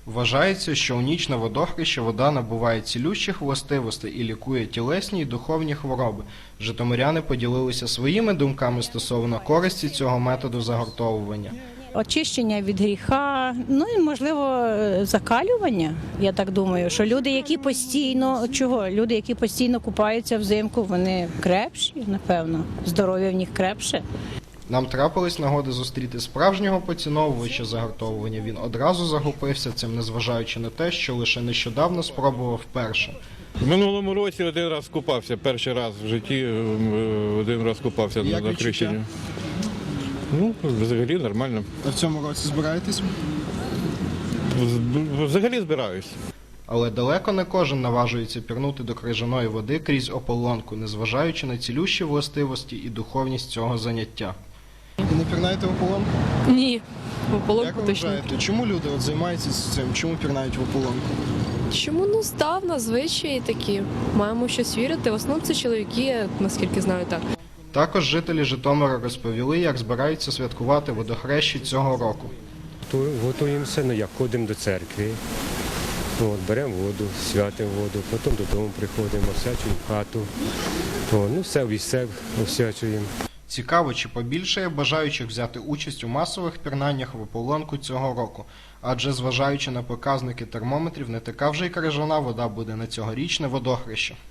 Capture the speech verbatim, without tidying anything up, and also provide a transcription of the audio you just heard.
Вважається, що у ніч на водохреща вода набуває цілющих властивостей і лікує тілесні й духовні хвороби. Житомиряни поділилися своїми думками стосовно користі цього методу загортовування. Очищення від гріха, ну і, можливо, закалювання, я так думаю, що люди, які постійно, чого? Люди, які постійно купаються взимку, вони крепші, напевно, здоров'я в них крепше. Нам трапились нагоди зустріти справжнього поціновувача загортовування. Він одразу захопився цим, незважаючи на те, що лише нещодавно спробував вперше. В минулому році один раз купався, перший раз в житті один раз купався Як на хрещенні. Ну, взагалі нормально. А в цьому році збираєтесь? Взагалі збираюсь. Але далеко не кожен наважується пірнути до крижаної води крізь ополонку, незважаючи на цілющі властивості і духовність цього заняття. І не пірнаєте в ополонку? Ні, в ополонку Як ви точно. вважаєте, чому люди от займаються цим? Чому пірнають в ополонку? Чому ну здавна звичаї такі? Маємо щось вірити. В основному це чоловіки, наскільки знаю, так. Також жителі Житомира розповіли, як збираються святкувати водохрещі цього року. Готуємося, ну як ходимо до церкви, от, беремо воду, святимо воду, потім додому приходимо, освячуємо хату, о, ну все все освячуємо. Цікаво, чи побільшає бажаючих взяти участь у масових пірнаннях в ополонку цього року. Адже, зважаючи на показники термометрів, не така вже й крижана вода буде на цьогорічне водохреще.